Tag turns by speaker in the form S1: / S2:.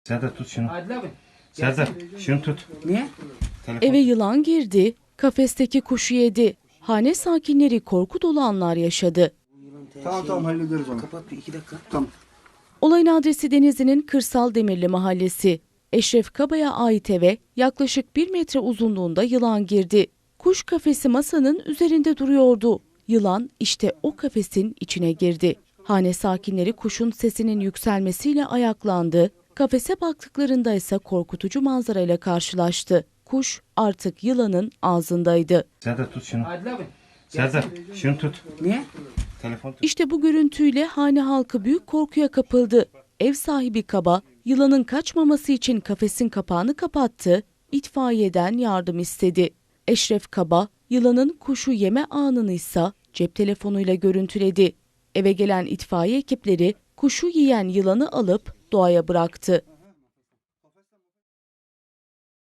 S1: Serdar tut şunu. Serdar şunu tut.
S2: Niye?
S3: Eve yılan girdi, kafesteki kuşu yedi. Hane sakinleri korku dolu anlar yaşadı.
S2: Tamam hallederiz onu. Kapat bir 2 dakika. Tamam.
S3: Olayın adresi Denizli'nin Kırsal Demirli Mahallesi. Eşref Kaba'ya ait eve yaklaşık 1 metre uzunluğunda yılan girdi. Kuş kafesi masanın üzerinde duruyordu. Yılan işte o kafesin içine girdi. Hane sakinleri kuşun sesinin yükselmesiyle ayaklandı. Kafese baktıklarında ise korkutucu manzarayla karşılaştı. Kuş artık yılanın ağzındaydı.
S1: Serdar tut şunu. Serdar şunu tut.
S2: Niye?
S1: Telefon tut.
S3: İşte bu görüntüyle hane halkı büyük korkuya kapıldı. Ev sahibi Kaba, yılanın kaçmaması için kafesin kapağını kapattı, itfaiyeden yardım istedi. Eşref Kaba, yılanın kuşu yeme anını ise cep telefonuyla görüntüledi. Eve gelen itfaiye ekipleri kuşu yiyen yılanı alıp doğaya bıraktı.